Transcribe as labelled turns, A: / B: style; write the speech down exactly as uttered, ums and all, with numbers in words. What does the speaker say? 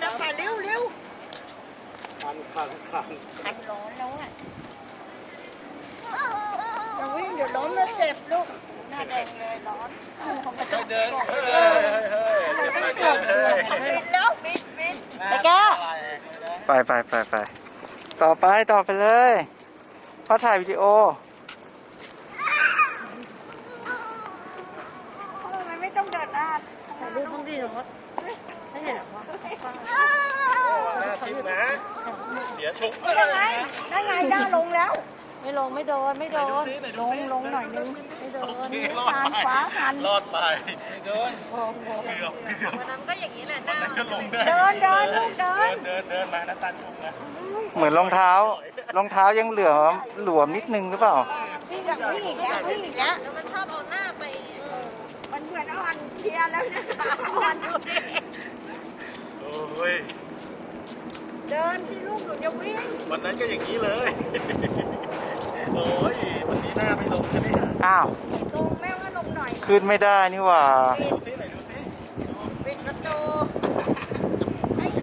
A: แล้วค่ะเร็วเร็ว
B: คันคันคัน
A: คันร้อนแล้วอ่ะอย่าวิ่งเดี๋ยวล้มแล้วเจ็บลูกหน้าแดงเลยร้อนเดินเดินเฮ้ยบินแล้วบินบินไปแก้
C: ไปไปไปไปต่อไปต่อไปเลยพ่อถ่ายวิดีโอ
A: ทำไมไม่ต้องเดินหน้าถ่ายรูปต้องดีหรอไม่เห็นหรอวะ
B: หน้าทิพนะเดี๋ยวชุบ
A: ได้ไงได้ไงได้ลงแล้วไม่ลงไม่โดนไม่โดนลงลงหน่อยนึงไม่โดนทานฟ้าทัน
B: รอดไปเดิน
A: โอ้โห
B: เกือบเกือบ
D: วันนั้นก็อย่างนี้แหละหน้า
B: ก็ลงได้
A: เดินเดินลูกเดิ
B: เดิ
A: น
B: นเดินเดินมาน้ำตาลชุบนะ
C: เหมือนรองเท้ารองเท้ายังเหลือหลวมนิดนึงหรือเปล่า
A: วิ่งแบบวิ่งอีกแล้ววิ่งอีกแล้ว
D: แล้วมันชอบเอาหน้าไปไง
A: มันเหมือนอ่อนเชียร์แล้วนะอ่อนดูดิ
B: โอ้ย
A: เดินที่ลูกหนูจะวิ่ง
B: วันนั้นก็อย่างนี้เลยโอ้ยวันนี้หน้าไม่ลงใช่ไหม
C: อ้าว
A: ลงแม่ว่าลงหน่อย
C: ขึ้นไม่ได้นี่หว่า
B: ดูซิไหนดูซิ
A: ปิดประตู